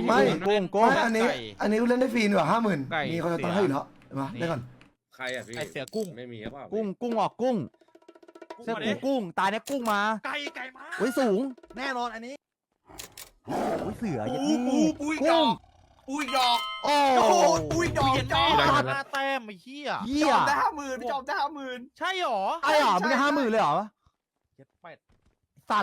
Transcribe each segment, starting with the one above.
ไม่กุ้งไม่อันนี้เล่นได้ฟรีกว่า50,000มีคนจะตั้งให้อยู่แล้วมาได้ก่อนใครอ่ะพี่ไอเสือกุ้งไม่มีครับเปล่ากุ้งออกกุ้งเสื้อกุ้งตายเนี่ยกุ้งมาไก่มาอุ้ยสูงแน่นอนอันนี้อุ้ยเสือปูอีกดอกปูอีกดอกโอ้โอ้โหปูอีกดอกจอมหน้าแต้มไอ้เหี้ยเหี้จยอมได้50,000พี่จอมได้50,000 ใช่หรอไอ้หรอมึงได้50,000เลยเหรอเจ็ดแปดสัตว์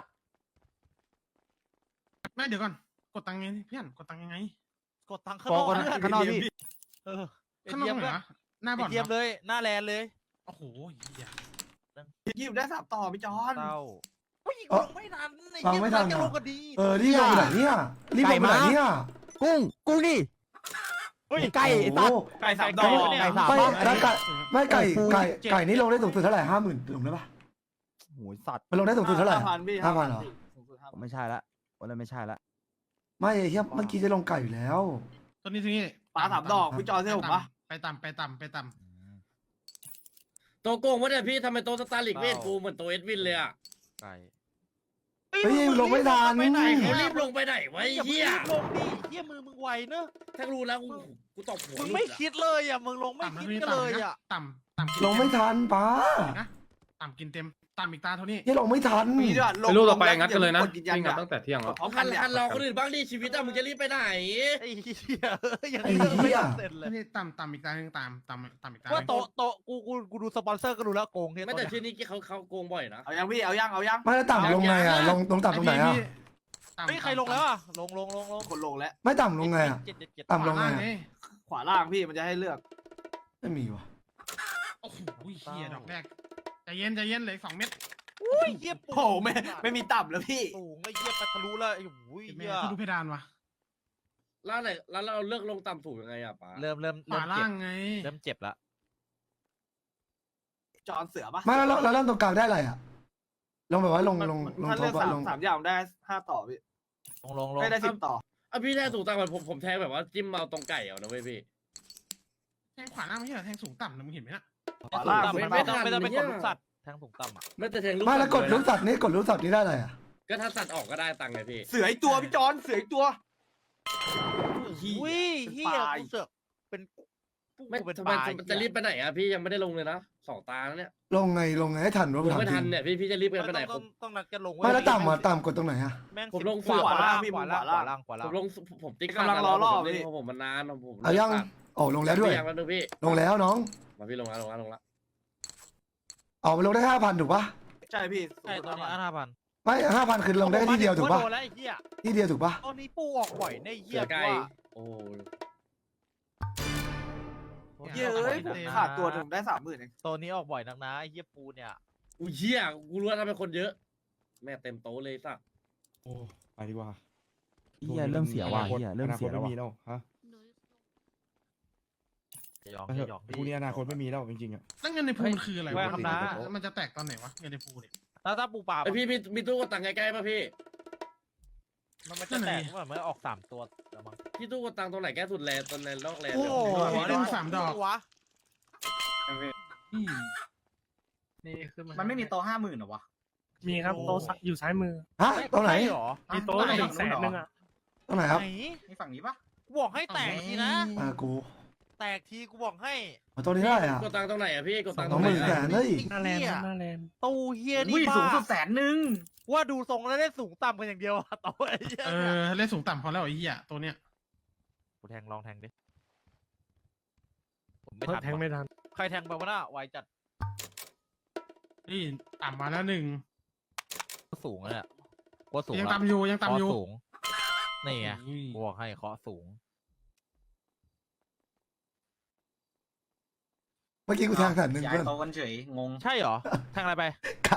ไม่เดี๋ยวก่อนกดตังค์ไงเพื่อนกดตังค์ยังไงกดตังค์ข้างบนออก กกันข้างนอกพี่เออข้างนอกไหนวะหน้าบ่อนเทียมเลยหน้าแลนเลยโอ้โหเหี้ยยิบได้3ต่อพี่จอนเต้าเอ้าไม่ทันฟังไม่ทันจะลงกันดีรีบลงไปไหนเนี่ยรีบลงไปไหนเนี่ยกุ้งนี่ไก่ไอ้สัตว์ไก่3ดอกไก่สามไม่แล้วไก่นี่ลงได้สูงสุดเท่าไหร่50,000ลงได้ปะโหสัตว์มันลงได้สูงสุดเท่าไหร่ 5,000พี่ 5,000เหรอสูงสุด5,000 ไม่ใช่ละวันนั้นไม่ใช่ละไม่เฮียเมื่อกี้จะลงไก่อยู่แล้วตัวนี้ตัวนี้ปลา3ดอกพี่จอนเชื่อผมปะไปต่ำโตโกงวะเนี่ยพี่ทำไมโตสตาร์ลิกไม่เห็นกูเหมือนโตเอ็ดวินเลยอ่ะไก่เฮ้ยลงไม่ทันไปไหนเขารีบลงไปไหนไว้อย่าเฮียลงดิเฮียมึงไวเนอะถ้ารู้แล้วกูตบหัวมึงไม่คิดเลยอ่ะมึงลงๆไม่ต่ำนะคิดตัวนี้กันเลยอ่ะต่ำลงไม่ทันป้านะต่ำกินเต็มต่ำอีกตาเท่านี้เฮียลงไม่ทันมีด้วยไปลูกต่อไปงัดกันเลยนะกดยืนยันวิ่งกันอะตั้งแต่เที่ยงแล้วพร้อมกัหันนเนี่ยหันรอคนอื่นบ้างดิชีวิตอะมึงจะรีบไปไหนไอ้เหี้ยอย่างไอ้นี้เหี้ยเสร็จเลตัวย นี้ต่ำอีกตาหนึ่งต่ำอีกตาหว่านึ่งโตะกูดูสปอนเซอร์ก็ดูแล้วโกงเนี่ยไม่แต่ชื่อนี้เขาโกงบ่อยนะเอายังพี่เอายังไม่แล้วต่ำลงไงอ่ะลงต่ำตรงไหนอ่ะไม่ใครลงแล้วอ่ะลงคนลงแล้วไม่ต่ำลงไงอ่ะเจ็ดต่ำลงไงล่างอะนี่ขวาล่างพี่มันจะให้เลือกไม่มีวะโอ้โหเฮียดอกแรกใจเย็นเหลย2 เม็ดอุ้ยเหี้ยโอ้โหไม่มีต่ำแล้วพี่สูงไอ้เหี้ยไปทะลุแล้วไอ้โอ้ยแม่เหี้ยที่ดูเพดานวะแล้วไหนแล้วเราเลือกลงต่ำถูกยังไงอ่ะป้าเริ่มขวาล่างไงเริ่มเจ็บละจอนเสือปะไม่แล้วตรงกลางได้อะไรอ่ะลงแบบว่าลงถ้าท็เลืออกปอะลงสามอย่างได้5ต่อพี่ลงได้10ต่ออ่ะพี่แทงถูกตังค์ผมแทงแบบว่าจิ้มเอาตรงไก่เอานะเว้ยพี่แทงขวาล่างไม่ใช่เหรอแทงสูงต่ำนะมึงเห็นไหมนะขวาล่างไม่ไม่ต้องไปทันกดลูกสัตว์แทงสูงต่ำอ่ะไม่แต่แทงลูกไม่แล้วกดเลยนะลูกสัตว์นี่ได้อะไรอ่ะก็ถ้าสัตว์ออกก็ได้ตังค์ไงพี่เสืออีกตัวพี่จอนเสืออีกตัวอุ้ยเหี้ยกูเสือกเป็นไม่เป็นทำปไมลาจะรีบไปไหนอ่ะพี่ยังไม่ได้ลงเลยนะ2 ตาแล้วเนี่ยลงไงให้ทันวะลงถามไม่จริทันงเนี่ยพี่จะรีบกันไปไหนผมต้องนัดกันลงไม่แล้วต่ำกดตรงไหนอ่ะแม่งผมลงขวาล่างพี่ขวาขวาล่างล่างขวาผล่างมลงผมติ๊กกำลังรอรอบพี่พี่ผมมันนานผมเอายังโอ้ลงแล้วด้วยยังแล้วนึงพี่ลงแล้วน้องมาพี่ลงแล้วออกไปลงได้5,000ถูกปะใช่พี่ใช่ตัวนี้5,000 ไม่5,000คือลงได้ที่เดียวถูกปะโดนแล้วไอ้เหี้ยที่เดียวถูกปะตอนนี้ปูออกบ่อยในเหี้เสืยอไก่ว่าโอ้เย้ยผมขาดตัวถึงได้30,000เองตัวนี้ออกบ่อยนักนะไอ้เหี้ยปูเนี่ยอุ้ยเหี้ยกูรู้ว่าทำไมคนเยอะ แม่เต็มโต๊ะเลยสักโอ้ไปดีกว่าเฮียเริ่มเสียว่ะเฮียเริ่มเสียอแล้วนาคตไม่มีว่ะแล้วฮะจะยอมไปเถจะอะยอมพรุ่งนี้อนาคตไม่มีแล้วจริงๆอ่ะตั้งเงินในพูลคืออะไรไม่วะครับนะมันจะแตกตอนไหนวะเงินในพูลเนี่ยถ้าปูปลาไอพี่มีตู้กดตังค์ใกล้ๆป่ะพี่มันจะแตกเมื่อออก3 ตัวแล้วมั้งพี่ตู้กดตังค์ตรงไหนแก้สุดแลตรงไหนนอกแลโอ้เลยโหเล่น3 ดอกวะอืมนี่คือมันไม่มีโต๊ะ50,000หรอวะมีครับโต๊ะอยู่ซ้ายมือฮะตรงไหนใช่หรอมีโต๊ะหนึ่งแสนนึงอ่ะตรงไหนครับไหนนี่ฝั่งนี้ปะกูบอกให้แตกทีนะกูแตกทีกูบอกให้เอาตรงนี้ได้อ่ะกดตังค์ตรงไหนอะพี่กดตังค์ตสรองงหไหนมื่นแสอะนเฮ้ยหน้าแลนด์ครับหน้าแลนด์ตู้เฮียอุ้ยนี่สูงบ้าสุด100,000 ว่าดูทรงแล้วได้สูงต่ำกันอย่างเดียวอะต่อไอ้เหี้ยเล่นสูงต่ำพอแล้วไอ้เหี้ยตัวเนี้ยกูแทงลองแทงดิผมไม่ทันแทงไม่ทันใครแทงไปวะน่ะไวจัดนี่ต่ำมาแล้ว1 สูงเลยอะกูสูงยังละต่ำอยู่ยังต่ำอยู่เคาะสูงนี่ไงอุ้ยกูบอกให้เคาะสูงเมื่อกี้กูแทงแสนหนึ่งย้าเพื่ยอนโต๊ะกันเฉยงงใช่เหรอแทงอะไรไปไก่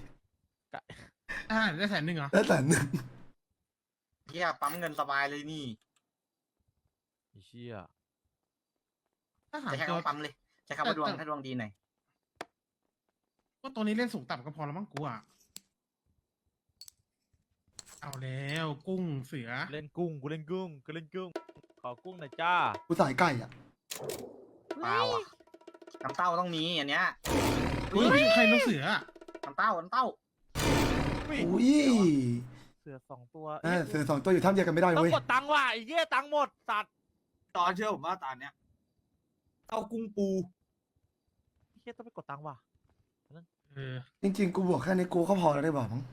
ได้100,000เหรอได้แสนหนึ่งเฮียปั๊มเงินสบายเลยนี่ไอ้เชี่ยถ้าหาจะแค่ตัวคำปั๊มเลยจะคำว่าดวงถ้าดวงดีหน่อยก็ตัวนี้เล่นสูงต่ำก็พอแล้วมั้งกูอ่ะเอาแล้วกุ้งเสือเล่นกุ้งกูเล่นกุ้งกูเล่นกุ้งขอกุ้งหน่อยจ้ากูสายไก่อ่ะเปล่าอ่ะน้ำเต้าต้องมีอันเนี้ยอุ้ยใครลูกเสืออะน้ำเต้าอุ้ยสือ2 ตัวเสือ2 ตัวอยู่ท่ามเดียวกันไม่ได้ต้องเว้ยกดตังค์ว่ะไอ้เหี้ยตังค์หมดสัตว์ตอนเชื่อผมว่าตอนเนี้ยเอากุ้งปูไอ้เหี้ยต้องไปกดตังค์ว่ะเออจริงๆกูบวกแค่นี้กูก็พอแล้วได้บอกมั้ง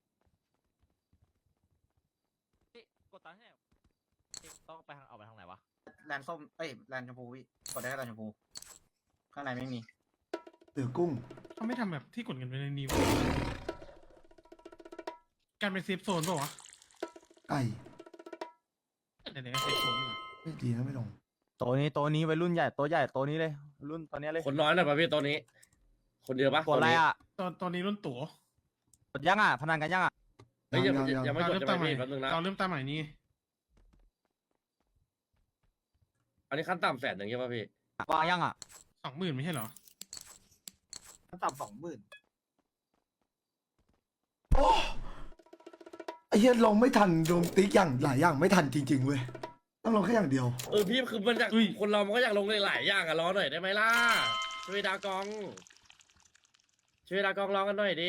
กดตังค์ให้ต้องไปทางเอาไปทางไหนวะแลนส้มเอ้ยแลนชมพูพี่กดได้แค่แลนชมพูข้างในไม่มีเสือกุ้งเขาไม่ทำแบบที่กดกันไปในนี้วะการเป็นเซฟโซนเปล่าวะไก่เดี๋ยวๆเซฟโซนดีกว่าไม่ดีนะไม่ลงตัวนี้วัยรุ่นใหญ่ตัวใหญ่ตัวนี้เลยรุ่นตอนนี้เลยคนน้อยหน่อยป่ะพี่ตัวนี้ คนเดียวปะกดอะไรอ่ะตอนนี้รุ่นตั๋วกดยังอ่ะพนันกันยังอ่ะเฮ้ยยังยังยังไม่กดเริ่มจะตาไปมใหม่พี่แป๊บนึงนะเราเริ่มตามใหม่นี่อันนี้ขั้นต่ำ100,000ใช่ป่ะพี่วางยังอ่ะ 20,000ไม่ใช่เหรอมันต่ำ20,000 โอ้ไอ้เหี้ยลงไม่ทันโดนติ๊กอย่างหลายอย่างไม่ทันจริงๆเว้ยต้องลงแค่อย่างเดียวพี่คือมันอยากคนเรามันก็อยากลงหลายๆอย่างอะรอหน่อยได้ไหมล่ะช่วยดากองรอกันหน่อยดิ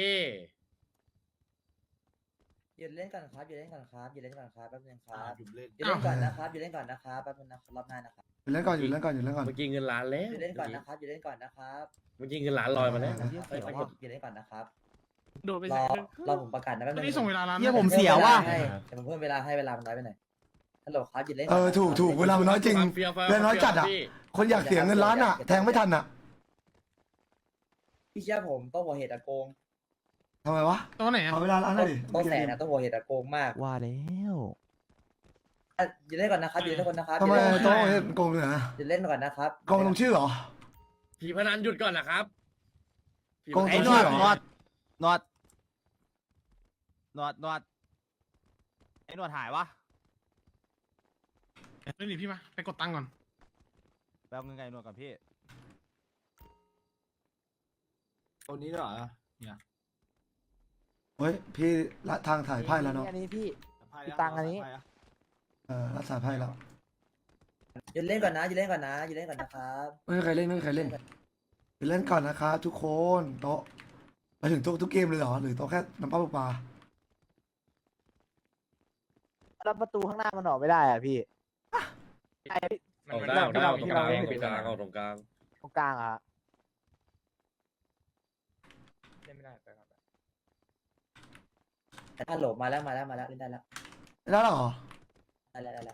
หยุดเล่นก่อนครับหยุดเล่นก่อนครับหยุดเล่นก่อนครับแป๊บนึงครับหยุดเล่นหยุดเล่นก่อนนะครับหยุดเล่นก่อนนะครับแป๊บนึงนะครับรอบหน้านะครับอยู่เล่นก่อนอยู่เล่นก่อนอยู่เล่นก่อนเมื่อกี้เงินล้านแล้วหยุดเล่นก่อนนะครับหยุดเล่นก่อนนะครับเมื่อกี้เงินล้านลอยมาแล้วเฮ้ยหยุดเล่นก่อนนะครับโดดไปรแสอนหนึ่งรอผมประกาศนะแป๊บตอนนึงนี้ส่งเวลาร้านเหี้ยผมเสียว่ะแต่ผมเพิ่มเวลาให้เวลามันน้อยไปหน่อยฮัลโหลครับหยุดเล่นถูกเวลามันน้อยจริงเฟี้ยวๆเวลาน้อยจัดอะพี่คนอยากเสียเงินล้านอ่ะแทงไม่ทันอ่ะพี่เชื่อผมต้องหัวเหตุอะโกงทำไมวะตัวไหนอ่ะเอาเวลาล้านหน่อยดิต้องแสนนะต้องหัวเหตุอะโกงมากว่าแล้วหยุดเล่นก่อนนะครับหยุดเล่นก่อนนะครับทำไมหยุดเล่นโต๊ะเฮ็ดโกงเลยนะหยุดเล่นก่อนนะครับโกงตรงชื่อเหรอผีพนันหยุดก่อนนะครับผีโกงพไอ้นันหนวดเหรอหนวดไอ้หนวดหายวะเรื่องนี้พี่มาไปกดตังค์ก่อนแป๊บนึงไงหนวดก่อนพี่ตัวนี้เหรอเฮ้ยพี่ละทางถ่ายไพ่แล้วเนาะอันนี้พี่พี่ตังค์อันนี้ละถ่ายไพ่แล้วหยุดเล่นก่อนนะหยุดเล่นก่อนนะหยุดเล่นก่อนนะครับไม่มีใครเล่นไปเล่นก่อนนะคะทุกคนโต๊ะมาถึงทุกเกมเลยเหรอหรือโต๊ะแค่น้ำปลาปลาแล้วประตูข้างหน้ามันออกไม่ได้อ่ะพี่ไอ้ออกได้ตรงกลางที่เราเล่นตรงกลางเอาตรงกลางตรงกลางอ่ะฮัลโหลมาแล้วเล่นได้แล้วได้แล้วเหรอได้แล้ว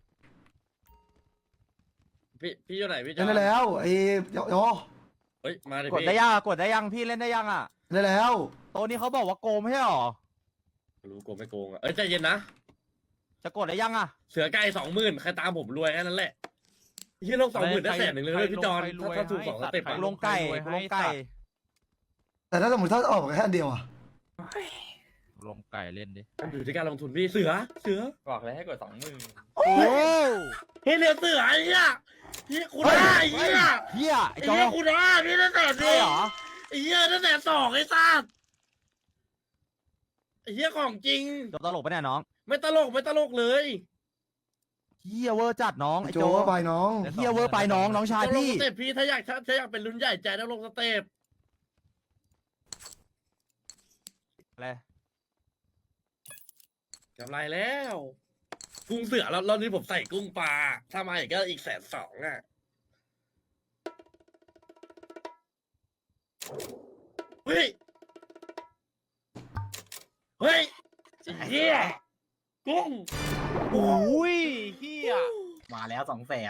พี่อยู่ไหนพี่จเล่อนได้แล้วไอ้โยเฮ้ยมาดิกดพี่ได้ยังกดได้ยังพี่เล่นได้ยังอ่ะได้แล้วโตัวนี้เขาบอกว่าโกงไม่ใช่หรอรู้โกงไม่โกงอ่ะเอ้ยใจเย็นนะจะกดได้ยังอ่ะเสือไก่20,000ใครตามผมรวยแค่นั้นแหละยี่ลง20,000ได้100,000เลยพี่จอนถ้าถูก2 สเต็ปกูอะลงไก่กูลงไก่แต่ถ้าสมมติถ้าออกแค่อันเดียวอ่ะลงไก่เล่นดิอยู่ที่การลงทุนพี่เสือบอกเลยให้กด20,000 โอ้เฮ้ยเหลือเสือไอ้เหี้ยพี่คุณได้ไอ้เหี้ยเฮียไอ้ไอ้จอเหี้ยคุณได้พี่ตั้งแต่ใช่เหรอไอ้เหี้ยตั้งแต่2ไอ้สัสไอ้เหี้ยของจริงโจตลกปะเนี่ยน้องไม่ตลกเลยเฮียเวอร์จัดน้องไอ้โจโจก็ไปน้องเฮียเวอร์ไปน้องชายต้องลงพี่สเต็ปพี่ถ้าอยากเป็นรุ่นใหญ่ใจต้องลงสเต็ปอะไรกำไรแล้ว กุ้งเสือแล้วนี้ผมใส่กุ้งปลาถ้ามาอีกก็อีก120,000อ่ะเฮ้ยเฮ้ยเฮียกุ้งโอ้ยเฮียมาแล้ว200,000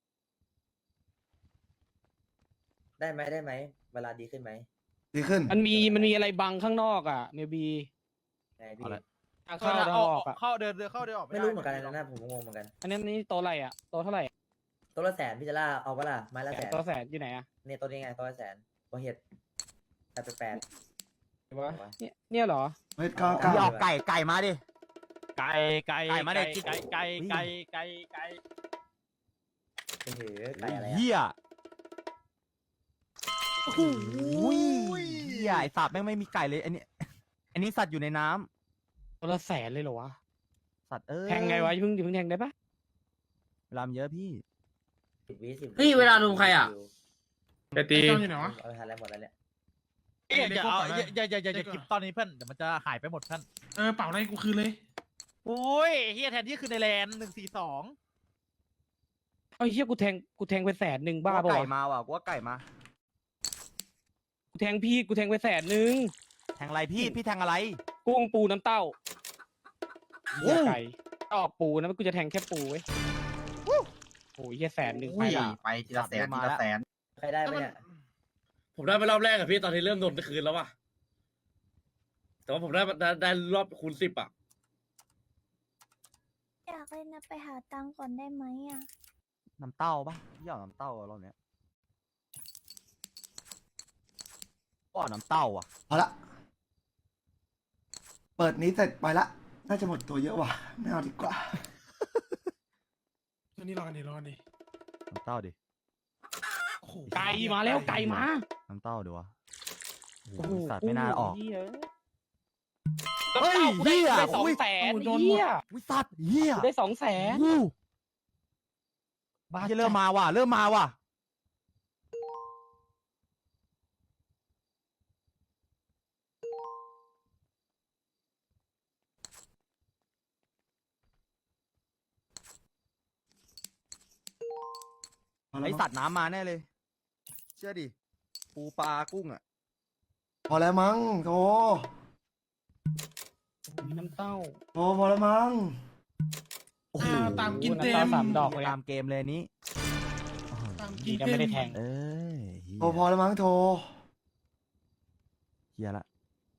ได้ไหมเวลาดีขึ้นไหมดีขึ้นมันมีอะไรบังข้างนอกอ่ะเมบีไงพี่ทางเข้าทางออกอ่ะเข้าเดินเข้าเดินออกไม่รู้เหมือนกันนะผมงงเหมือนกันอันนี้โตะอะไรอ่ะโตะเท่าไหร่ตัวละแสนพี่จะล่าเอาปะล่ะไม้ละแสนโตะแสนอยู่ไหนอ่ะเนี่ยตัวนี้ไงตัวละแสนหัวเห็ด888 เนี่ยเหรอเฮ้ยก้าพี่ออกไก่มาดิไก่ไก่มาดิไก่ถือไก่อะไรเฮีอ่ะยโอ้โหเฮียไอสัตว์แม่งไม่มีไก่เลยอันนี้สัตว์อยู่ในน้ำตัวละแสนเลยเหรอวะสัตว์แทงไงวะอย่าเพิ่งแทงได้ปะเวลามันเยอะพี่ 10 วิเฮ้ยเวลาลุมใครอะไปตีอยู่ไหนวะเอาไปทานอะไรหมดแล้วเนี่ยอย่ากิบตอนนี้เพื่อนเดี๋ยวมันจะหายไปหมดเพื่อนเป่าอะไรกูคืนเลยโอ้ยเฮียแทนที่คือในแลน142 เอ้ยเฮียกูแทงไป100,000บ้ากูป่ะไก่วะมาว่ะกูว่าไก่มากูแทงไป100,000 แทงอะไรพี่แทงอะไรกุ้งปูน้ำเต้าเหี้ยไก่ออกปูนะกูจะแทงแค่ปูเว้ยโอ้ยเฮีย100,000 ไปไปทีละแสนทีละแสนใครได้ไหมเนี่ยผมได้ไปรอบแรกอะพี่ตอนที่เริ่มโดนคืนแล้วว่ะแต่ว่าผมได้รอบคูณ10อะอยากเล่นนะไปหาตังค์ก่อนได้ไหมอ่ะน้ำเต้าปะพี่เอาน้ำเต้ารอบเนี้ยก็เอาน้ำเต้าอ่ะเอาละเปิดนี้เสร็จไปละน่าจะหมดตัวเยอะว่ะไม่เอาดีกว่าตัวนี้รอกันดิน้ำเต้าดิไก่มาแล้วไก่มาน้ำเต้าดีวะโอ้โอ้โหโหสัตว์ไม่น่าออกเหี้ยเฮ้ยกูได้เหี้ย 200,000 โดนหมดเฮียวิสัตว์เหี้ยกูได้200,000 อู้บ้าเหี้ยเริ่มมาว่ะไอสัตว์น้ำมาแน่เลย เชื่อดิปูปลากุ้งอ่ะพอแล้วมั้งโธน้ำเต้าโธพอแล้วมั้งโอ้โหตามกินเต็มน้ำเต้า3 ดอกเลยตามเกมเลยอันนี้ดีนะไม่ได้แทงเอ้ยเหี้ยโธพอแล้วมั้งโธเฮียละ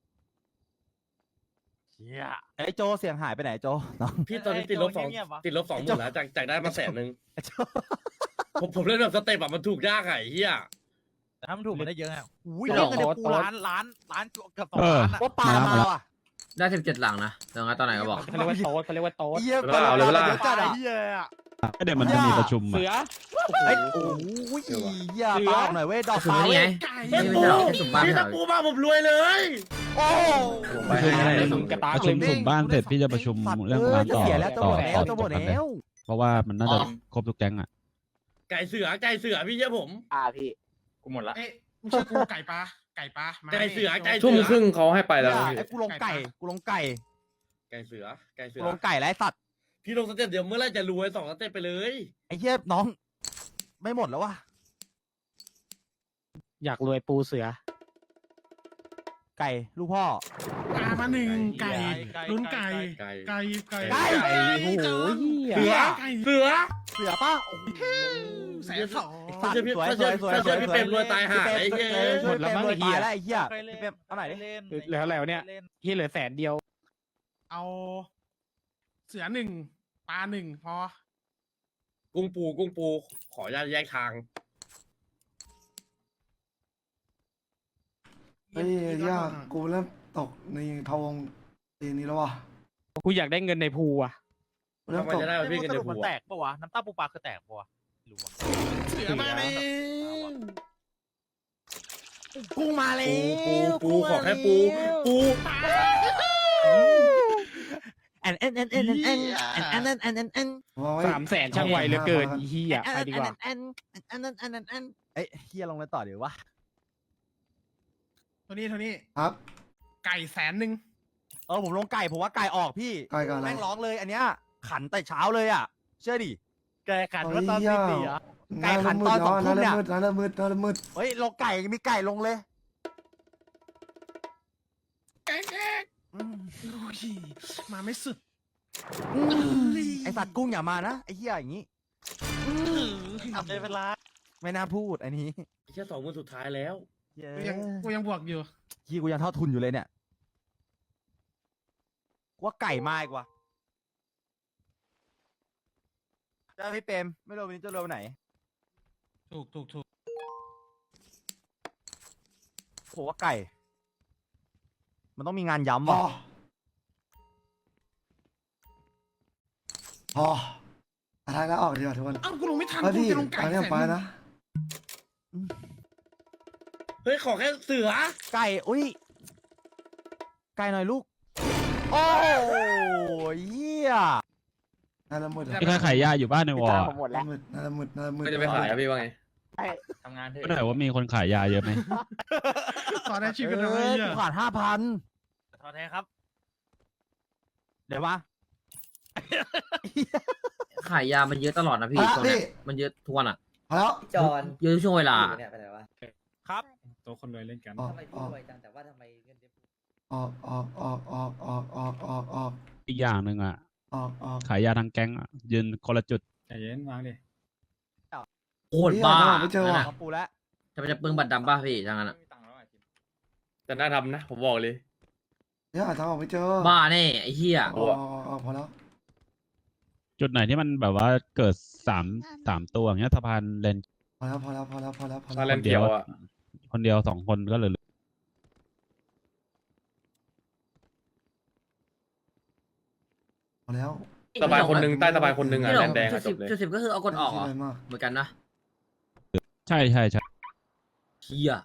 เฮียไอ้โจเสียงหายไปไหนโจน้องพี่ตอนนี้ติดลบไอ้โจเงียบๆวะติดลบ20,000แล้วจากได้มา100,000 ไอ้โจผมเล่นแบบสเต็ปอะมันถูกยากไงเฮียแต่ถ้ามันถูกมันได้เยอะอ่ะอุ้ยไม่เล่หรนอกกันในปูล้านเกือบ2 ล้านอะเออว่าปลามาว่ะได้17 หลังนะเดี๋ยวงั้นตอนไหนก็บอกเขาเรียกว่าโต๊ดเขาเรียกว่าโต๊ดเฮียเวลาเอาเลยเวลาเยอะจัดอะเฮียอะก็เดี๋ยวมันจะมีประชุมเสือ่ะอเอ้ยโอ้ยเฮียปลาออกหน่อยเว้ยดอกคือปลานี่เว้ไงยนี่ไม่ใช่หรอกแค่สุ่มบ้านพี่ไม่ถ้าเหรปูอมาผมรวยเลยโอ้ประชุมกระตากประชุมเลยสุ่มบ้านเสร็จพี่จะประชุมเรื่องร้านจะต่อเสียแล้วจะหมดแล้วจะหมดกันเลยแล้วเพราะว่ามันน่าจะครบทุกแก๊งอ่ะไก่เสือพี่เชื่อผมพี่กูหมดละเอ๊ะไม่ใช่กูไก่ปลามาไก่เสือไก่ทุ่มครึ่งเขาให้ไปแล้วไอ้กูลงไก่ไก่เสือกูลงไก่แล้วไอ้สัตว์พี่ลงสเต็ปเดี๋ยวเมื่อไรจะรวย2 สเต็ปไปเลยไอ้เฮียน้อง ไม่หมดแล้ววะอยากรวยปูเสือไก่ลูกพ่อปลามา1 ไก่ลุ้นไก่ไก่ไก่โอ้โหเหี้ยเสือเสือเสือป้าโอ้โห 120,000 สัตว์สวยสวยสวยถ้าเชื่อพี่เปรมรวยตายหาไอ้เหี้ยหมดแล้วมั้งไอ้เหี้ยแล้วไอ้เหี้ยพี่เปรมเอาไหนอยดิแล้วเนี่ยเฮียเหลือ100,000 เอาเสือ1ปลา1พอกุ้งปูขออนุญาตแยกทางเฮ้ยยากกูเริ่มตกในพะวงตีนี้แล้วว่ะกูอยากได้เงินในภูอ่ะกูเริ่มทำไมตกจะได้มาพี่กันสเดี๋รุยปวมันหัวแตกปะวะน้ำตาปูปลาคือแตกปะวะไม่รู้วะเสือมาเลยกุ้งมาเลยปูขอแค่ปูวางไว้ 300,000ช่างไวเหลือเกินอีเหี้ยไปดีกว่าเอ้ยเหี้ยลงเลยต่อเดี๋ยววะโทนี่ครับไก่100,000 ผมลงไก่ผมว่าไก่ออกพี่ไก่ก่อนอะไรแม่งร้องเลยอันเนี้ยขันแต่เช้าเลยอ่ะเชื่อดิไก่ขันว่าตอนตีสี่อ่ะไก่ขันตอน2 ทุ่มเนี่ยน่าเริ่มมืดเฮ้ยลงไก่มีไก่ลงเลยไก่แก่มาไม่สุดไอสัตว์กุ้งอย่ามานะไอเหี้ยอย่างงี้ทำได้เวลาไม่น่าพูดอันนี้แค่20,000สุดท้ายแล้วเย้กูยังบวกอยู่ยี่กูยังเท่าทุนอยู่เลยเนี่ยกูว่าไก่มาอีกว่ะเจ้าพี่เปรมไม่รู้วันนี้จะเร็วไหนถูกผมว่าไก่ มันต้องมีงานพย้ำอว่ะพออะไรแล้วออกดีกว่าทุกคนอ้าวกูลงไม่ทันเฮ้ยกูพี่จะลงไก่อันนี้แสนไปหนึ่งนะเฮ้ยขอแค่เสือไก่อุ้ยไก่หน่อยลูก โอ้ยเหี้ยน่าเริ่มมืดพี่ใครขายยาอยู่บ้านในวอร์ผมหมดแล้วน่าเริ่มมืดก็จะไปขายอะพี่ว่าไงทำงานเถก็อะถามว่ามีคนขายยาเยอะไหมตอนแรกชีพกันเลเอ้ยยกูขาด5,000 ถอนแทนครับเดี๋ยวมาขายยามันเยอะตลอดนะพี่พระตอนเนี้พี่ยมันเยอะทุกวันอ่ะพอแล้วจอนเยอะทุกช่วงเวลาเนี่ยไปไหนวะครับตัวคนรวยเล่นกันออกทำไมอพูดอกรวยจังแต่ว่าทำไมเงินเดือนออกออกออกออกออกออกออกออกอีกอย่างหนึ่งอ่ะออกออกขายยาทางแก๊งอ่ะ ยืนคนละจุดใจเย็นวางดิโคตรบ้าไม่เจอว่ะขอปูแล้วจะเปลืองบัตรดำป่ะพี่ทางนั้นอะแต่น่าทำนะ ผมบอกเลยเนี่ยหาทางออกไม่เจอบ้าแน่ไอ้เหี้ยออกออกพอแล้วจุดไหนที่มันแบบว่าเกิดสามตัวอย่างเงี้ยสะพานเลนพอแล้วพอแล้วพอแล้วพอแล้วพอมาแล้วเล่นเขียวอ่ะคนเดียว2 คนก็เหลือพอแล้วสบายคนหนึ่งใต้สบายคนหนึ่งอ่ะพี่หลแดงนแดงจุอ่ะดจสิบบเลยจุดสิบก็คือเอากดออกเหรอไม่คิดอะไรมากเหมือนกันนะใช่ใช่ใช่เหี้ย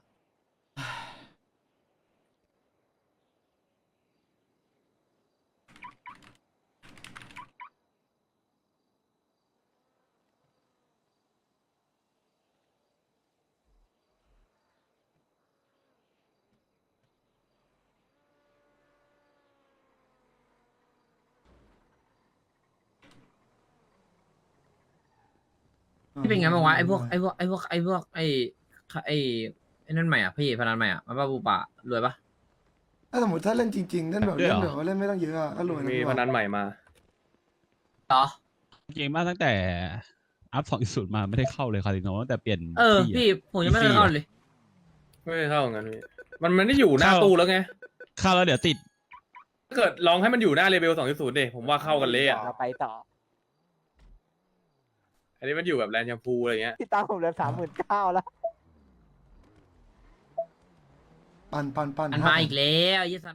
พี่เป็นไงบ้างวะไอ้พวกไอ้นั่นใหม่อ่ะพี่พนันใหม่อ่ะมันป้าบูปะรวยปะถ้าสมมติถ้าเล่นจริงๆเล่นแบบเล่นแบบว่าเล่นไม่ต้องเยอะอะก็รวยนะมีพี่พว่านันใหม่มาต่อจริงๆมาตั้งแต่อัพ2.0มาไม่ได้เข้าเลยคาสิโนตั้งแต่เปลี่ยน ที่อะพี่ผมยังไม่ได้เข้าเลยไม่ได้เข้างั้นพี่มันไม่ได้อยู่หน้าตู้แล้วไงเข้าแล้วเดี๋ยวติดถ้าเกิดลองให้มันอยู่หน้าเลเวล2.0ดิผมว่าเข้ากันเลยอ่ะไปต่ออันนี้มันอยู่แบบแลนด์แชมพูอะไรเงี้ยพี่ตั้งผมเหลือ39,000แล้วปั่นมันมาอีกแล้วยี่สัน